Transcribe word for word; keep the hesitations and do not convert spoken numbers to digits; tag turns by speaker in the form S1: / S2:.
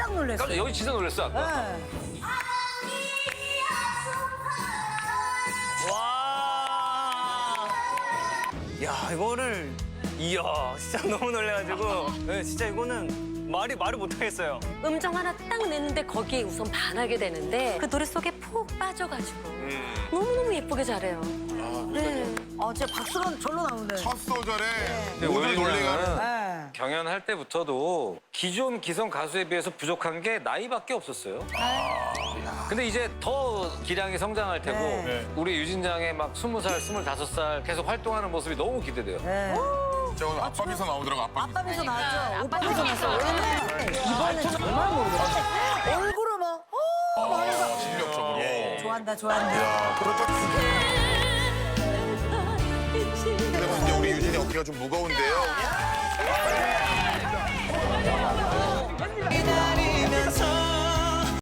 S1: 깜짝 놀랐어요.
S2: 깜짝 여기 진짜 놀랐어 아까.
S1: 네.
S3: 와. 야, 이거를 이야, 진짜 너무 놀래가지고 네, 진짜 이거는 말이 말을 못 하겠어요.
S4: 음정 하나 딱 내는데 거기에 우선 반하게 되는데 그 노래 속에 푹 빠져가지고 너무너무 예쁘게 잘해요. 네.
S1: 어, 진짜 박수가 절로 나오네.
S5: 첫 소절에
S2: 근데
S5: 모두
S2: 오히려
S5: 놀래가는.
S1: 네.
S2: 경연할 때부터도 기존 기성 가수에 비해서 부족한 게 나이밖에 없었어요. 근데 이제 더 기량이 성장할 테고
S1: 네.
S2: 우리 유진장의 막 스무 살, 스물다섯 살 계속 활동하는 모습이 너무 기대돼요.
S1: 네.
S5: 저 오늘 아빠 미소 나오더라고, 아빠 미소.
S1: 아빠 미소 나왔죠? 오빠 미소 나왔어. 왜냐면 이번엔 정말 모르겠어. 얼굴을 막, 어, 말해서.
S5: 아, 실력적으로.
S1: 좋아한다, 좋아한다.
S5: 야, 그렇다. 근데 뭐 이제 우리 유진이 어깨가 좀 무거운데요.